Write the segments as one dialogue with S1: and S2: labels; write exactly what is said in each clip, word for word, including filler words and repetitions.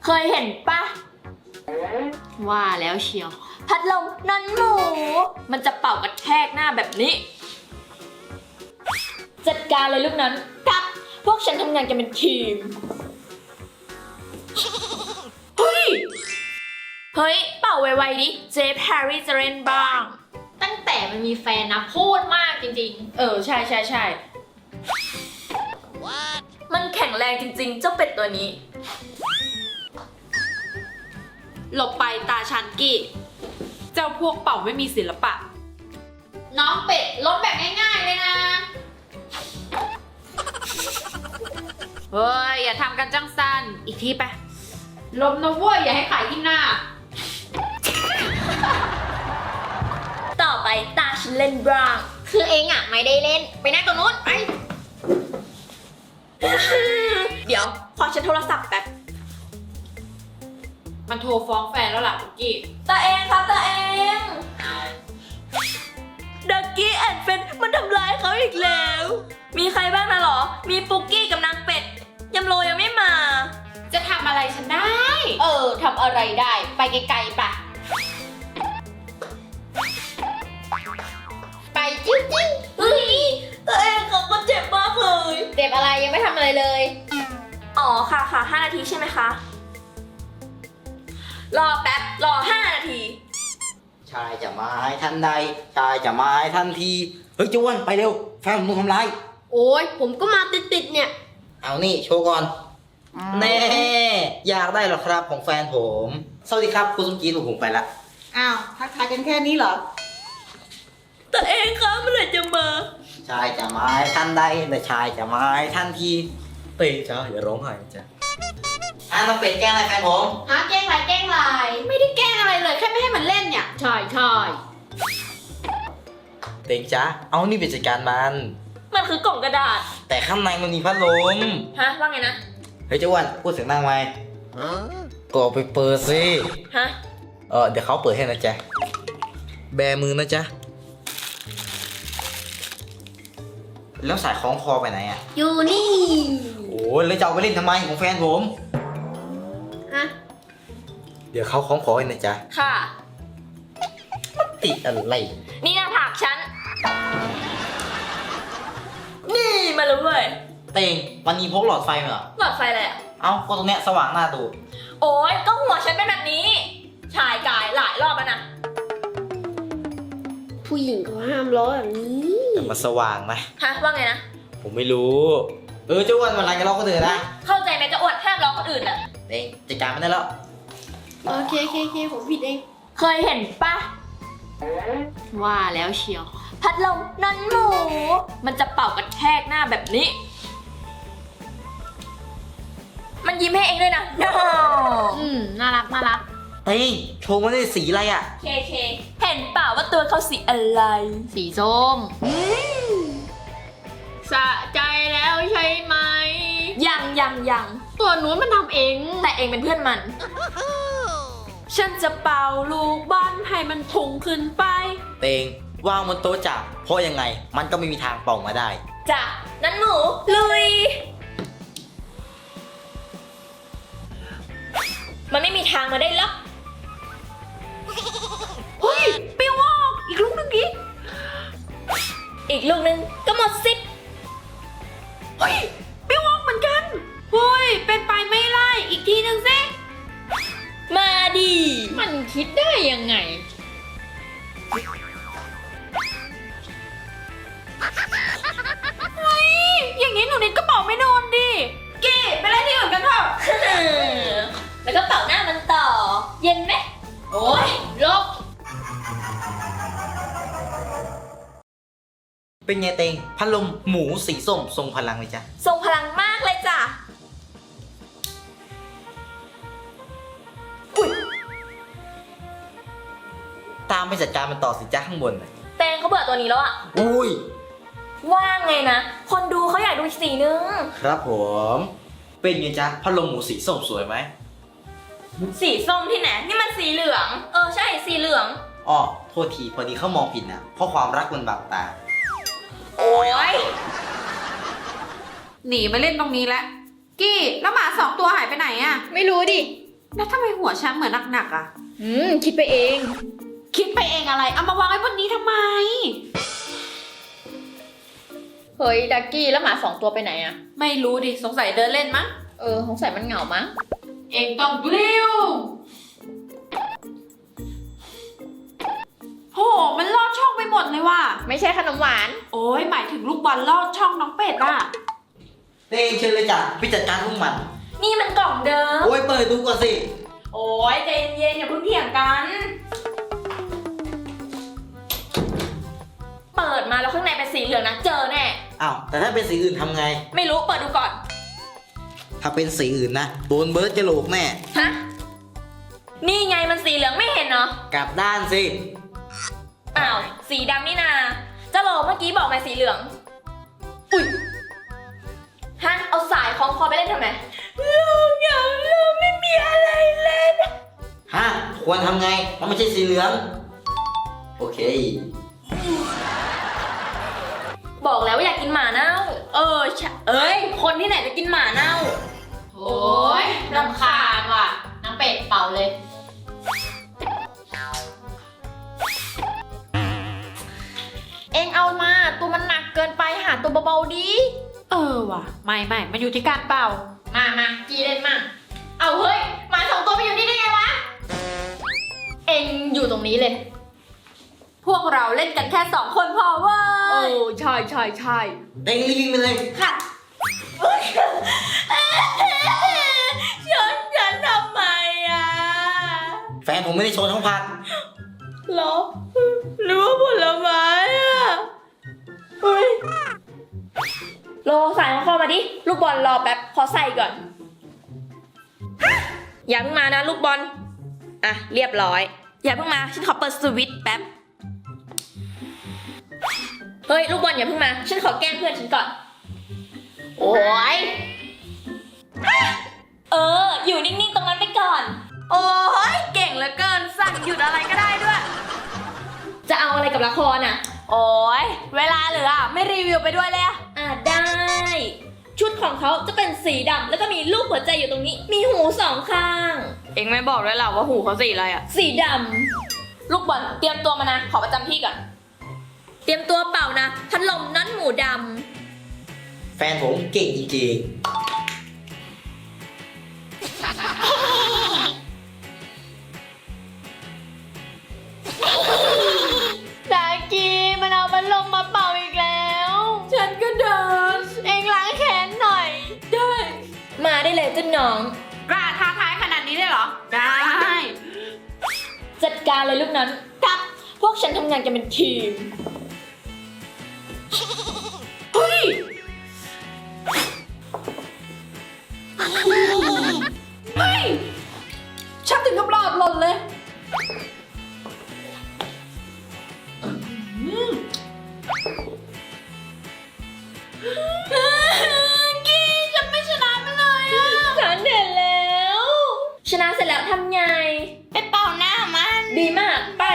S1: เคยเห็นปะว่าแล้วเชียวพัดลมนอนหมูมันจะเป่ากระแทกหน้าแบบนี้จัดการเลยลูกนั้นครับพวกฉันทำงานกันเป็นทีมเฮ้ยเฮ้ยเป่าไวๆดิเจฟแฮร์รี่จะเล่นบ้างตั้งแต่มันมีแฟนนะพูดมากจริงๆเออใช่ใช่ใช่มันแข็งแรงจริงๆเจ้าเป็ดตัวนี้หลบไปตาชันกี้
S2: เจ้าพวกเป่าไม่มีศิลปะ
S1: น้องเป็ดล้มแบบง่ายๆเลยนะ
S2: เฮ้ยอย่าทำกันจังสันอีกทีไปล้มนะเว้ยอย่าให้ขายที่หน้า
S1: ต่อไปตาฉันเล่นบ้างคือเองอ่ะไม่ได้เล่นไปนั่งตรงนู้นไปเดี๋ยวขอฉันโทรศัพท์แป๊บ
S2: มันโทรฟ้องแฟนแล้วล่ะปุกกี้
S1: ตาเองครับตาเองดักกี้แอนเฟนมันทำร้ายเขาอีกแล้วมีใครบ้างนะหรอมีปุกกี้กับนางเป็ดยำโรยังไม่มา
S2: จะทำอะไรฉันได้
S1: เออทำอะไรได้ไปไกลๆปะไปจิ้วจิ้วเฮ้ยตัวเองเขาก็เจ็บมากเลยเจ็บอะไรยังไม่ทำอะไรเลยอ๋อค่ะค่ะห้านาทีใช่ไหมคะรอแป๊บรอห้านาที
S3: ชายจะมาให้ทันใดชายจะมาให้ทันทีเฮ้ยเจ้าอ้วนไปเร็วแฟนผมถูกทำร้าย
S1: โอ้ยผมก็มาติดๆเนี่ย
S3: เอานี่โชว์ก่อนแน่อยากได้หรอครับของแฟนผมสวัสดีครับคุณสมจีนผมไปละ
S4: อ้าวทักทายกันแค่นี้เหรอ
S1: แต่เองคะเมื่อไหร่จะมา
S3: ชายจะมาให้ทันใดแต่ชายจะมาให้ทันทีเตยจ้าอย่าร้องไห้จ้ะอ่ะน้องเป็ดแกล้งอะไรแฟนผม
S1: ฮะแกล้งอะไรแกล้งอะไร
S2: ไม่ได้แกล้งอะไรเลยแค่ไม่ให้มันเล่นเนี่ย
S1: ใช่ใช่
S3: เตงจ้าเอานี่ไปจัดการมัน
S1: มันคือกล่องกระดาษ
S3: แต่ข้างในมันมีพัดลม
S1: ฮะว่าไงนะ
S3: เฮ้ยเจ้าอ้วนพูดเสียงดังไหมก็เอาไปเปิดสิ
S1: ฮะ
S3: เออเดี๋ยวเขาเปิดให้นะจ๊ะแบมือนะจ๊ะแล้วสายคล้องคอไปไหนอ่ะ
S1: อยู่นี่
S3: โอ้ยแล้วจะเอาไปเล่นทำไมของแฟนผม
S1: ฮะ
S3: เดี๋ยวเขาคล้องคอให้นะจ๊ะ
S1: ค่ะ
S3: ติดอะไร
S1: นี่หน้าผากฉันนี่มาเลยเว้ย
S3: เต่งวันนี้พกหลอดไฟมาเหรอ
S1: หลอดไฟอะไรอ่ะ
S3: เอ้าก็ตรงเนี้ยสว่างหน้าดู
S1: โอ้ยก็หัวฉันเป็นแบบนี้ชายกายหลายรอบแล้วนะ
S4: ผู้หญิงเขาห้ามล้อแบบนี้
S3: แต่มันสว่างไหม
S1: ฮะว่าไงนะ
S3: ผมไม่รู้เออเจ้าอ้วนวันไรจะล้อก็เดือดนะ
S1: เข้าใจไหมจะอวดห้ามล้อคนอื่นอ่ะ
S3: เต่งจัดการมันได้แล้ว
S4: โอเคโอเคโอเคผมผิดเอง
S1: เคยเห็นปะว่าแล้วเชียวพัดลมนอนหมูมันจะเป่ากระแทกหน้าแบบนี้มันยิ้มให้เองด้วยนะ no.
S2: อืมน่ารักน่ารัก
S3: เฮ้ยโชว์มันได้สีอะไรอ่ะ
S1: เคเคเห็นเปล่าว่าตัวเขาสีอะไร
S2: สีส้มสะใจแล้วใช่ไหม
S1: ยังยังยัง
S2: ตัวนู้นมันทำเอง
S1: แต่เองเป็นเพื่อนมันฉันจะเป่าลูกบอลให้มันพุ่งขึ้นไป
S3: เตงวางบนโต๊ะจับเพราะยังไงมันก็ไม่มีทางเป่ามาได้
S1: จ้ะนั้นหมูลุยมันไม่มีทางมาได้หรอก
S2: เฮ้ยปิ้วออกอีกลูกนึงดิ
S1: อีกลูกนึงก็หมดสิทธิ์
S2: เฮ้ยปิ้วออกเหมือนกันเฮ้ยเป็นไปไม่ไล่อีกทีนึงสิ
S1: มาดิ
S2: มันคิดได้ยังไงเฮ้ยอย่างนี้หนูนิดก็เป่าไม่โดนดิกี้ไปเล่นที่อื่นกันเถอะ
S1: แล้วก็เป่าหน้ามันต่อเย็นไหม
S2: โอ้ยลบ
S3: เป็นไงเตงพัดลมหมูสีส้มทรงพลังเลยจ้ะ
S1: ทรงพลังมากเลยจ้ะ
S3: ตามไปจัดการมันต่อสิจ้าข้างบน
S1: แตงเขาเบื่อตัวนี้แล้วอ่ะ
S3: อุ้ย
S1: ว่างไงนะคนดูเขาอยากดูสีนึง
S3: ครับผมเป็นไงจ๊ะพัดลมหมูสีส้มสวยไหม
S1: สีส้มที่ไหนนี่มันสีเหลืองเออใช่สีเหลือง
S3: อ๋อโทษทีพอดีเขามองผิดนะเพราะความรักมันบังตา
S1: โอ้ย
S2: หนีมาเล่นตรงนี้แล้วกี้แล้วหมาสองตัวหายไปไหนอะ
S1: ไม่รู้ดิ
S2: แล้วทำไมหัวฉันเหมือนหนักๆอ่ะ
S1: อืม คิดไปเอง
S2: คิดไปเองอะไร เอามาวางไว้บนนี้ทำไม
S1: เฮ้ย ดักกี้แล้วหมาสองตัวไปไหนอะ
S2: ไม่รู้ดิ สงสัยเดินเล่นมั้ง
S1: เออ สงสัยมันเหงามั้ง
S2: เองต้องบลิ้วโห มันลอดช่องไปหมดเลยว่ะ
S1: ไม่ใช่ขนมหวาน
S2: โอ้ยหมายถึงลูกบอลลอดช่องน้องเป็ดอ่ะ
S3: เต้งเชิญเลยจ้ะพี่จัดการพวกมัน
S1: นี่มันกล่องเดิม
S3: โอ้ยเปิดดูก่อนสิ
S2: โอ้ยใจเย็นๆอย่าเพิ่งเถียงกัน
S1: เปิดมาแล้วข้างในเป็นสีเหลืองนะ เจอแน่
S3: อ้าวแต่ถ้าเป็นสีอื่นทำไง
S1: ไม่รู้ เปิดดูก่อน
S3: ถ้าเป็นสีอื่นนะโดนเบิร์ดจะโหลกแน่
S1: ฮะ นี่ไงมันสีเหลืองไม่เห็นเนาะ
S3: กลับด้านสิ
S1: อ้าว สีดำนี่นาจะโหลเมื่อกี้บอกมาสีเหลือง อุ้ยฮะ เอาสายคล้องคอไปเล่นทำไมลูกอยากลูกไม่มีอะไรเล่น
S3: ฮะ ควรทำไงมันไม่ใช่สีเหลือง โอเค
S1: บอกแล้วว่าอยากกินหมาเน่า เออใช่เอ้ย คนที่ไหนจะกินหมาเน่า
S2: โอ้ยรำคาญว่ะน้องเป็ดเป่าเลย
S1: เอ็งเอามา ตัวมันหนักเกินไปหาตัวเบาๆดี
S2: เออว่ะ ไม่ไม่มันอยู่ที่การเป่า
S1: มามาจีเล่นมั่งเอาเฮ้ยหมาสองตัวไปอยู่นี่ได้ไงวะ เอ็งอยู่ตรงนี้เลย
S2: พวกเราเล่นกันแค่สองคนพอเว้ย
S1: โอ้ใช่ใช่ใช่
S3: เต้งรีบวิ่งไปเลย
S1: ค่ะชนฉันทำไมอ่ะ
S3: แฟนผมไม่ได้โชว์ทั้งพัก
S1: หรอหรือว่าผลไม้อ่ะเฮ้ยโลใส่ของคอมาดิ ลูกบอลรอแป๊บ ขอใส่ก่อน อย่าเพิ่งมานะลูกบอล อ่ะ เรียบร้อย อย่าเพิ่งมา ฉันขอเปิดสวิตช์แป๊บ เฮ้ย ลูกบอลอย่าเพิ่งมา ฉันขอแกล้งเพื่อนฉันก่อน โอ้ยเออ อยู่นิ่งๆตรงนั้นไปก่อน โอ้ยเก่งเหลือเกิน สั่งหยุดอะไรก็ได้ด้วย จะเอาอะไรกับละครอ่ะ
S2: โอ้ยเวลาเหลือไม่รีวิวไปด้วยเลยอะ
S1: อ่ะได้ ชุดของเขาจะเป็นสีดำแล้วก็มีรูปหัวใจอยู่ตรงนี้ มีหูสองข้าง
S2: เอ็งไม่บอกด้วยหรอว่าหูเขาสีอะไรอะ
S1: สีดำ ลูกบอลเตรียมตัวมานะ ขอประจำที่ก่อน เตรียมตัวเป่านะ พัดลมนั้นหมูด
S3: แฟนผมเก่งจริง
S1: ดากีมันเอาพัดลมมาเป่าอีกแล้ว ฉันก็เดิน เองล้างแขนหน่อย ได้ มาได้เลยเจ้าน้อง
S2: กล้าท้าทายขนาดนี้เลยเหรอ ได้
S1: จัดการเลยลูกนั้นครับ พวกฉันทำงานกันเป็นทีม เฮ้ย เฮ้ย ฉันถึงกับหลอดหล่นเลย กี้ฉันไม่ชนะมันเลยอ่ะ ฉันเห็นแล้ว ชนะเสร็จแล้วทำไง ไปเป่าหน้ามัน ดีมาก ไป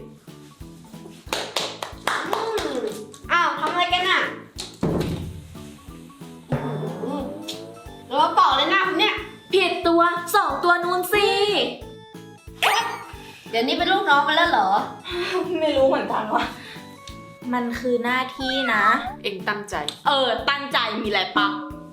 S4: อ้าวทำอะไรกันอ่ะแล้วเป่าเลยหน้าคุณเนี่ย
S1: ผิดตัวสองตัวนู้นสิ
S4: เดี๋ยวนี้เป็นลูกน้องมันแล้วเหรอ
S1: ไม่รู้เหมือนกันว่ะ มันคือหน้าที่นะ
S2: เอ็งตั้งใจ
S1: เออ ตั้งใจมีอะไรปะ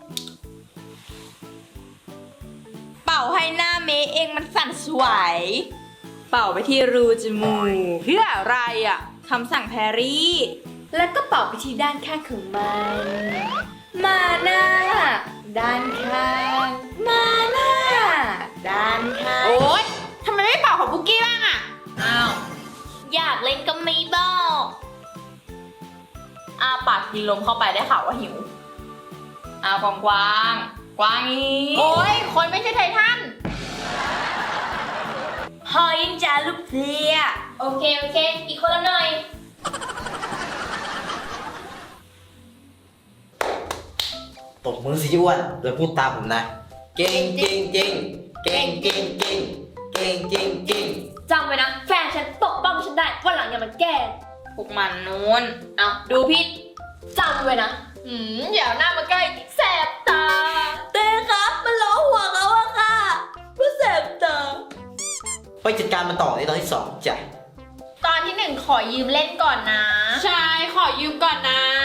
S1: เป่าให้หน้าเมย์เองมันสั่นสวย
S2: เป่าไปที่รูจมูกเพื่ออะไรอ่ะ
S1: คำสั่งแพรรี่ แล้วก็เป่าไปที่ด้านข้างของมัน มาหน้า ด้านข้าง มาหน้า ด้านข้าง
S2: โอ๊ยทำไมไม่เป่าของบุกกี้บ้างอ่ะ
S1: อ้าว อยากเล่นก็ไม่บอกอาปากกินลมเข้าไปได้ข่าวว่าหิวอากวางกวางกวางอีก
S2: โอ๊ย คนไม่ใช่ไททัน
S1: หอยจ้าลูกเสียโอเค โอเค อีกคนละหน่อย
S3: ๆตบมือสิอ้วนแล้วพูดตามผมนะ เก่งจริงจริงเก่งจริงจริงเก่งจริงจริง
S1: จำไว้นะ แฟนฉันปกป้องฉันได้วันหลังอย่ามาแกล้ง
S2: พวกมันนู้น
S1: เอาดูพิษจำไว้นะหืมอย่าเอาหน้ามาใกล้แสบตา เต้ครับมันล้อหัวเขาอะค่ะว่าแสบตา
S3: ไปจัดการมันต่อในตอนที่สองจ้ะ
S1: ตอนที่หนึ่งขอยืมเล่นก่อนนะ
S2: ใช่ขอยืมก่อนนะ